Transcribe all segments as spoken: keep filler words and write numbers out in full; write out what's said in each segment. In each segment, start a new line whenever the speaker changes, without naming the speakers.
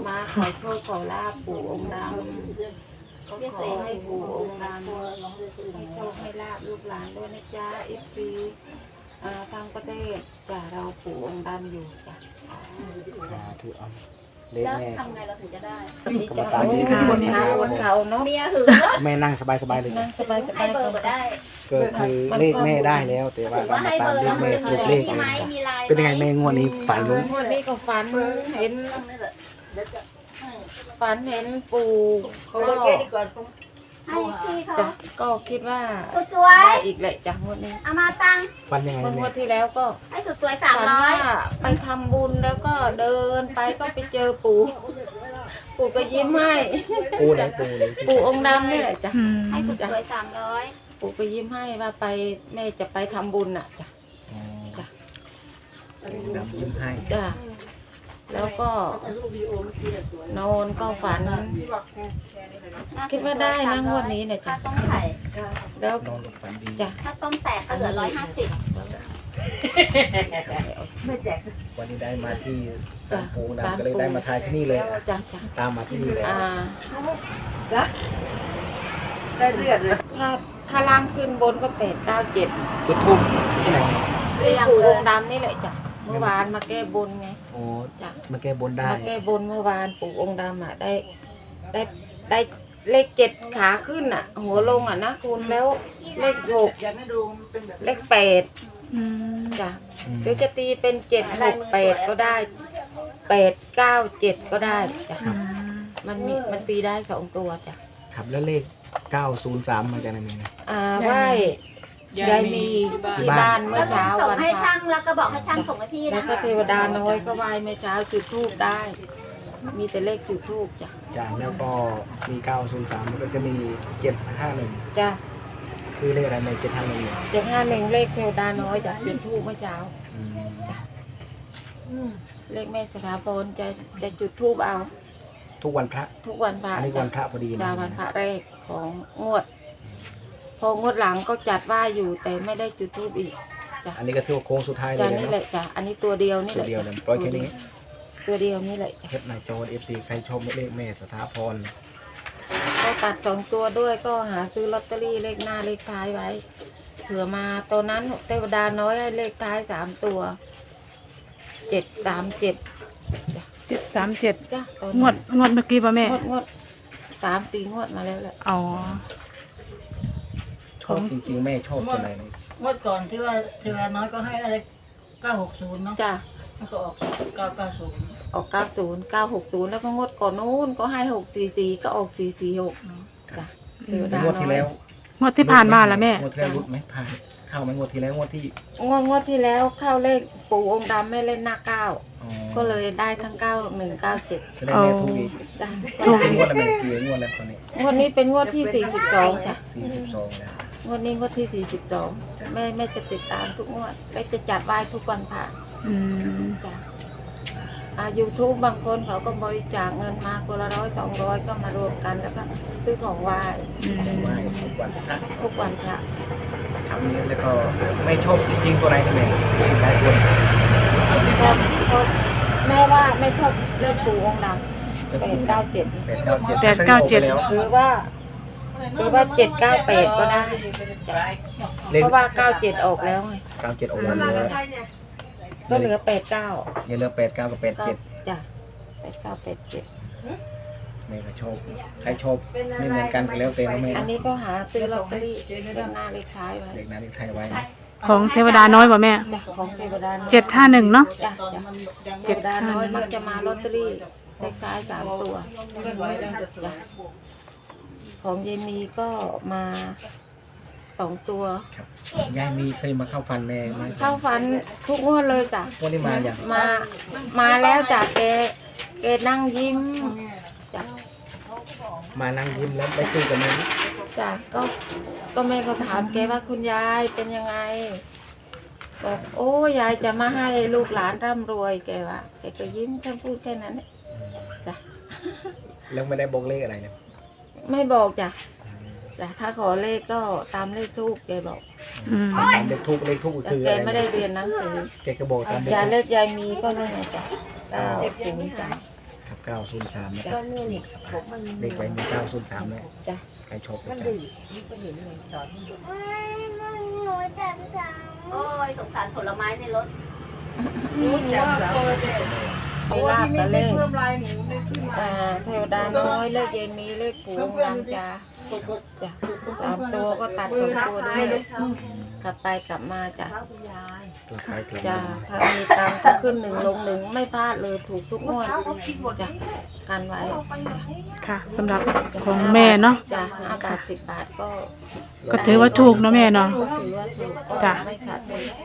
มาขอโชคขอลาบปู่องค์ดำก็ขอให้ปู่องค์ดำให้โชคให้ลาบลูกหลานด้วยนะจ๊ะเอฟซีทางประเทศจ้ะเราปู่องค์ดำอยู่จ้ะ
ถือเอา
แล้วทำไงเราถึงจะได้
กรรมการที่
บนเขาบนเขาเนาะ
เมียหึง
แม่นั่งสบายๆเลย
นั่งสบายสบา
ให้
ย
เบอร์มาได้
ก็คือเลขแม่ได้แล้ว แต่ว่า
ถือ
เรา
ว่า
มา
ให้
ตา
เบ
ม
อร์
เลข
แล้ว
แม่
มัน
สรุปเลข
มีไหมมีลาย
เป็นยังไงแม่งวดนี้ฝันรู้
งวดนี้ก็ฝันเห็นฝันเห็นปู่ก็
ให้พี่เขา
จ้ะก็คิดว่า
สุดสวย
ได้อีกแหละจ้ะงวดนี้
เอามาตัง
ฝันยังไง
เมื่อง
แม่
วดที่แล้วก็
ให้สุดสวยสาม
ฝัน
ร้อย
ว่าไปทำบุญแล้วก็เดินไปก็ไปเจอปู่ ปู่ก็ยิ้มให้
ปูไหนปูเลย
ปู่องค์ดำนี่แหละจ้ะ
ให้สุดสวยสามร้อย
ปู่ก็ยิ้มให้ว่าไปแม่จะไปทำบุญน่ะจ้ะ จ้ะ
ดำยิ้มให้
จ้ะแล้วก็นอนก็ฝัน คิดว่าได้นะงวดนี้เนี่ย
ถ้า
จ้ะ
ต้องไข่
แล้ว
นอนหลับฝันดี
จ้ะ
ถ้าต้มแตกก็เหลือร้อยห้าสิบ
วันนี้ได้มาที่ศา
จ้ะ
ลปู
ศาล
ดำก็เลย
ปู่
ได้มาทายที่นี่เลย
จ้ะจ้ะ
ตามมาที่นี่เลย
อ่า
ได้เลือดเลย
ถ้าถ้าล่างขึ้นบนก็แปดเก้าเจ็ด
จุดทูบที่ไหน
ที่ปู่องค์ดำนี่แหละจ้ะเมื่อวานมาแก้บนไง
โอ้
จ้ะ
มาแก้บนได้
มาแก้บนเมื่อวานปู่องค์ดำอ่ะได้ได้ได้เลขเจ็ดขาขึ้นอ่ะ หัวลงอ่ะนะคุณแล้วเลขหก
อยากให้ดูมันเป็นแบบ
เลขแปดจ้ะ
อืม
หรือจะตีเป็นเจ็ดหกแปดก็ได้แปดเก้าเจ็ดก็ได้จ้ะมันมีมันตีได้สองตัวจ้ะ
ครับแล้วเลขเก้าศูนย์สามมาจากไหนแม่นะ
อ่าไหว้ยายมีที่บ้านเมื่อเช้า
ส่ง
วัน
ให้
พระ
ช่างแล้วก็บอกให้ช่างส่งให้พี่
แล้
นะ
วก็เทวดาน้อยก็ไหว้เมื่อเช้าจุดธูปได้ มีแต่เลขจุดธูปจ้ะ
จากแล้วก็มีเก้าศูนย์สามแล้วก็จะมีเจ็ดห้าหนึ่ง
จ้ะ
คือเลขอะไรในเจ็ดห้าหนึ่งเนี่ย
เจ็ดห้าหนึ่งเลขเทวดาน้อยจ้ะจุดธูปเมื่อเช้า
อืม
จ้ะเลขแม่สถาพรจะจะจุดธูปเอา
ทุกวันพระ
ทุกวันพระ
อันนี้
จ้ะ
วันพระพอดีนะ
จ้าวันพระแรกของงวด พองวดหลังก็จัดว่าอยู่แต่ไม่ได้จุดธูปอีกจ้ะ
อันนี้ก็ถือว่าโค้งสุดท้ายเล
จ้าย นี่
นะ
แหละจ้ะอันนี้ตัวเดียวนี่
ตั
แห
ว
ละ
เดียว
จ้ะ
เลยปล่อยแค่นี้
ตัวเดียวนี่แหละจ้ะ
เทปนายโจเอฟซีใครชมเลขแม่สถาพร
ก็ตัดสองตัวด้วยก็หาซื้อลอตเตอรี่เลขหน้าเลขท้ายไว้เผื่อมาตัวนั้นเทวดาน้อยให้เลขท้ายสามตัวเจ็ดสามเจ็ด
เจ็ดสามเจ็ด
จ้ะตัว
งวดงวดเมื่อกี้ป่ะแม่
งวดงวดสามสี่งวดมาแล้วแหละ
อ๋อ
ชอบจริงๆแม่ชอบตัวไหนเลย
เมื่อก่อนที่ว่าเทวาน้อยก็ให้อะไรเก้าหกศูนย์เนาะ
จ้ะ
มันก็ออกเก้าเก้าศูนย์
ออกเก้าศูนย์เก้าหกศูนย์แล้วก็งวดก่อนนู้นก็ให้หกสี่สี่ก็ออกสี่สี่หกจ้ะเทวดาง
วดที่แล้ว
งวดที่ผ่านมาแล้วแม่
งวดที่แล้วรุดไหมผ่านเข้าไหมงวดที่แล้วงวดที่
งวดงวดที่แล้วเข้าเลขปู่องค์ดำไม่เล่นหน้าเก้า
อ๋อ
ก็เลยได้ทั้งเก้าหนึ่งเก้าเจ็ด
จะได้แม่ถูกอีก
จ้ะ
ถูกงวดอะไรแม่กี่งวดแล้วตอนนี้
งวดนี้เป็นงวดที่สี่สิบสองจ้ะ
สี่สิบสองแล้ว
งวดนี้งวดที่สี่สิบสองแม่แม่จะติดตามทุกงวดและจะจัดไหว้ทุกวันพระ
อืม
จ้ะอ่ายูทูบบางคนเขาก็บริจาคเงินมาคนละร้อยสองร้อยก็มารวมกันแล้วก็ซื้อของไหว้
ไหว้ทุกวันพระ
ทุกวันพระ
ครับแล้วก็ไม่ชอบจริงๆตัวไหนนะแม่หลายตัว
ก็ก็แม่ว่าไม่ชอบเลขปู่องค์ดำแปดเก้าเจ็ด
แปดเก้าเจ็ด
แปดเก้าเจ็ด
แล้ว
หรือว่าหรือว่าเจ็ดเก้าแปดก็ได้จ้ะ
เลข
เพราะว่าเก้าเจ็ดออกแล้วไง
เก้าเจ็ดออกมาเลย
ก็เหลือแปดเก้า
อย่าเหลือแปดเก้ากับแปดเจ็ด
จ้ะแปดเก้าแปดเจ็ด
แม่ก็ชอบใครชอบไม่เหมือนกันก็แล้วแต่นะแม่
อันนี้ก็หาซื้อลอตเตอรี่เลขหน้าเลขท้ายไว้
เลขนั้นเลขไทยไว้
ของเทวดาน้อยป่ะแม่
จ้ะของเทวดาน้อย
เจ็ดห้าหนึ่งเนาะ
จ้ะจ้ะเทวดาน้อยมักจะมาลอตเตอรี่เลขท้ายสามตัวจ้ะของยายมีก็มาสองตัว
ครับยายมีเคยมาเข้าฟันแม่ไหม
เข้าฝันทุกงวดเลยจ้ะ
วันนี้มาอย่าง
มา มาแล้วจ้ะแกแกนั่งยิ้มจ้ะ
มานั่งยิ้มแล้วได้คุยกับแม่
จ้ะก็ก็แม่ก็ถามแกว่าคุณยายเป็นยังไงบอกโอ้ยายจะมาให้ลูกหลานร่ำรวยแกว่าแกก็ยิ้มแค่พูดแค่นั้นแหละจ้ะ
แล้วไม่ได้บอกเลขอะไรเลย
ไม่บอกจ้ะจ้ะถ้าขอเลขก็ตามเลขทูกแกบอก
อืม
ตามเลขทุกเลขทุก
แต่
คือ
แก
อะไร
ไม่ได้เรียนหนังสือ
แกก็บอกตามเลข
ยา
ทูป
เลขยายมีก็นั่นไงจ้ะเก้าศูนย์สาม
ครับเก้าศูนย์สามนะค
จ้ะ
รับเลขไว้มีเก้าศูนย์สามเลย
จ้ะ
ใครชอบ
มัน
นะ
ดื้อนี่ก็เห็นเลยสอน
โอ้ยสงสารผลไม้ในรถ
รู้จักสาว
มีลาบกับเลข
เพิ่มลายหมูไม่ขึ้นมา
อ่าเทวดาน้อยเลขเย็นมีเลขปู่องค์ดำจ้ะจ้ะสามตัวก็ตัดสองตัวด้วยกลับไปกลับมาจ้ะ
กลับไปกลับ
จ้ะ
มา
ถ้ามีตังค์ก็ขึ้นหนึ่งลงหนึ่งไม่พลาดเลยถูกทุกงวดจ้ะกันไว้
ค่ะสำหรับของแม่เนาะ
จ้ะห้าบาทสิบบาทก็
ก็ถือว่าถูกเนาะแม่เนาะ
ก็ถือว่าถูกก็
จ้ะ
ไม่ขาดทุน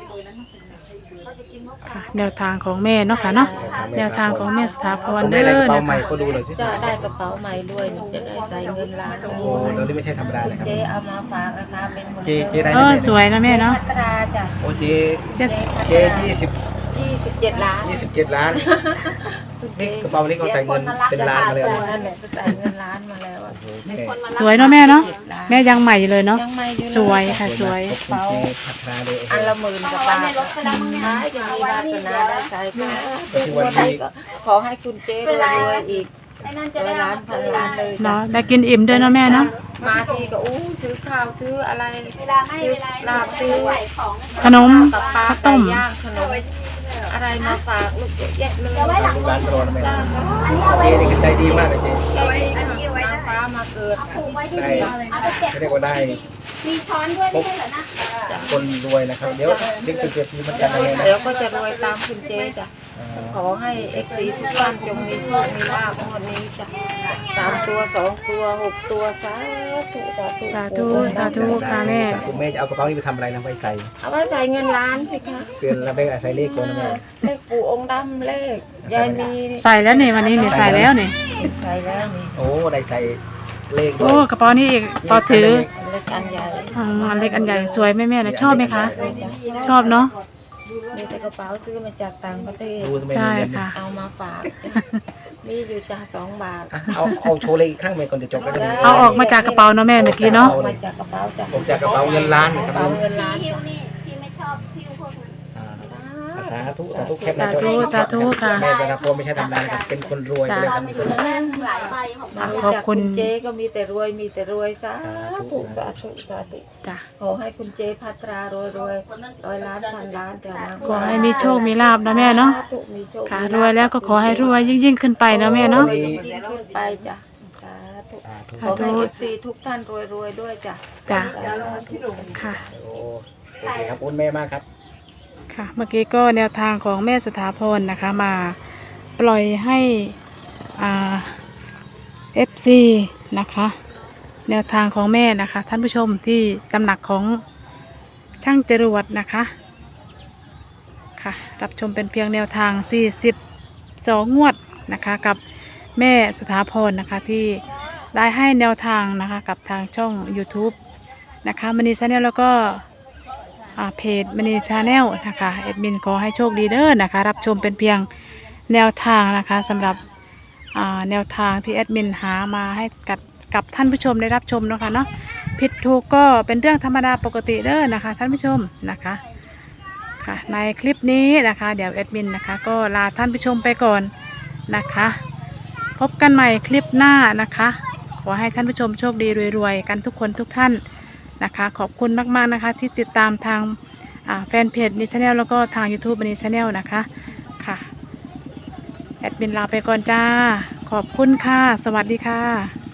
ค่ะ แนวทางของแม่เนาะค่ะเนาะแนวทางของแม่สถาพร
ผม
เด้
ได้
อ
อะไรกระเป๋า
นะ
ใหม่
คะ
ก็ดูเลยสิ
จะได้กระเป๋าใหม่ด้วยนี่จะได้ใส่เงินล้าน
โอ้แล้วนี่ไม่ใช่ธรรมดานะครับ
เจ๊เอามาฝากนะคะเป็นหมื่น
เจ๊เจ๊ได้
เออสวยนะแม่เนาะ
พัตราจ้ะ
โอ้เจ๊
เจ๊
เจ๊ยี่สิบ
ยี่สิบเจ็ดล้าน
ยี่สิบเจ็ดล้าน นี่กระเป๋านี้เขาใส่เงินเป็นล้านมาเลย
จ้ะ
อะ
นั่นแหละใส่เงินล้านมาแล้วอะ
โอ้โหแม่
สวยเนาะแม่เนาะ
เจ็ดล้าน
แม่ยังใหม่อยู่เลยเนาะ
ยังไม่อยู่นะ
สวยค่ะสวย
ขอบคุณเจ๊พัฒนาเลย
อันละหมื่นกับ
เอา
บา
ไว้
ท
ในรถก็ได้มั้งเนี่ย
ท้ายจะมีวาสนาได้ใช้ก็
ก็คือวันนี้
ขอให้คุณเจ๊รวยๆอีก
ไอ้นั่นจะ
ร้อ
ได้
ยล้านพันล้านเลย
เนาะได้กินอิ่มด้วยเนาะแม่เนาะ
มาทีก็อู้ซื้อข้าวซื้ออะไร
เวลาไม่เวลา
ลาบซื้อ
ไหวของ
ขนม
กับปลา
ข้าว
ไก่
ต้ม
ย่างขนมอะไรมาฝากลูกเยอะแยะเลย
เอาไว้หลัง
ร้านโปรนะแม่
จ้า
อันนี้เอาไว้
เจ๊นี่คือใจดีมากเลยเจ๊
ใจดีค่ะนางฟ้ามาเกิด
เอาผูกไว้ที่
ได้
นี่เอาไปเก็บ
เรียกว่าได้
มีช้อนด้วยไม่ใช่เหรอนะ
คนรวยนะครับ เดี๋ยวเด็กเกิดปีมันกันเลยนะ
เดี๋ยวก็จะรวยตามคุณเจ๊จ้ะ
อ่า
ขอให้เอฟซีทุกท่านจงมีโชคมีลาภงวดนี้จ้ะสามตัวสองตัวหกตัวสาธุสาธุ
สาธุสาธุค่ะแม่
คุณแม่จะเอากระเป๋านี้ไปทำอะไรนะไปใส่
เอาไว้ใส่เงินล้านสิคะ
เปลี่ยนแล้วไปใส่เลขก่อนนะแม่
เลขปู่องค์ดำเลขยายมี
ใส่แล้วนี่วันนี้นี่ใส่แล้วนี่
ใส่แล้วนี่
โอ้ได้ใส่เลขด้
โอ้
วย
กระเป๋านี่อีกต่อถือ
เลขอันใหญ่
อืมอันเล็กอันใหญ่สวยไหมแม่นะชอบไหมคะ ชอบเนาะ
มีแต่กระเป๋าซื้อมาจากต่างประเทศ
ดูทำไม
ใช่
มีเงิน
ค่ะ
เอามาฝากจ้ะมีอยู่จ้ะสองบาท
อ่ะเอาเอาโชว์เลขอีกครั้งไหมก่อนจะจบก็ได้
เอาออกมาจากกระเป๋าเนาะแม่เมื่อกี้เนาะ
ออกมาจากกระเป๋าจ้ะ
ผมจากกระเป๋าเงินล้านนะ
ก
ค
ระ
รับ
เป๋าเงินล้าน
พี่ฮิว
จ้ะ
นี่พี่ไม่ชอบฮิวพวกนั้น
อ่าสาธุสาธุแคปห
สา
น้าจอ
ธุสาธุค่ะ
แม่จะรับพรไม่ใช่ธรรมดานะครับเป็นคนรวยก็เลย
เรา
ทำ
ไม่อยู่ในแม่หลายใบของ
มา
เรา
รู้
ขอบ
จัก
คุ
คุณ ณเจ๊ก็มีแต่รวยมีแต่รวยสาธุสาธุสาธุ
จ้ะ
ขอให้คุณเจ๊พัตรารวยรวยร้อยล้านพันล้านจ้ะนะ
ขอให้มีโชคมีลาบนะแม่เนาะ
สธุมีโชค
ค่ะ
มี
ร
ลาภ
วยแล้วก็ขอให้รวยยิ่งยิ่งๆขึ้นไปนะแม่เนาะ
รวยยิ่งๆขึ้นไปจ้ะสาธุ
สาธุ
ขอให้เอฟซีทุกท่านรวยรวยๆด้วยจ้ะ
จ้ะ
สาธุ
ค่ะ
โอ้โอเคครับอุ้นแม่มากครับ
ค่ะ เมื่อกี้ก็แนวทางของแม่สถาพรนะคะ มาปล่อยให้อ่า เอฟ ซี นะคะ แนวทางของแม่นะคะ ท่านผู้ชมที่ตำหนักของช่างจรวดนะคะ ค่ะ รับชมเป็นเพียงแนวทางสี่สิบสองงวดนะคะกับแม่สถาพรนะคะที่ได้ให้แนวทางนะคะกับทางช่อง YouTube นะคะมณีชาแนลแล้วก็อ่าเพจมณีชาแนลนะคะแอดมินขอให้โชคดีเด้อนะคะรับชมเป็นเพียงแนวทางนะคะสำหรับอ่าแนวทางที่แอดมินหามาให้กับกับท่านผู้ชมได้รับชมเนาะคะเนาะผิดถูกก็เป็นเรื่องธรรมดาปกติเด้อนะคะท่านผู้ชมนะคะค่ะในคลิปนี้นะคะเดี๋ยวแอดมินนะคะก็ลาท่านผู้ชมไปก่อนนะคะพบกันใหม่คลิปหน้านะคะขอให้ท่านผู้ชมโชคดีรวยๆกันทุกคนทุกท่านนะคะขอบคุณมากๆนะคะที่ติดตามทางอ่าแฟนเพจนิชแนลแล้วก็ทาง YouTube นิชแนลนะคะค่ะแอดมินลาไปก่อนจ้าขอบคุณค่ะสวัสดีค่ะ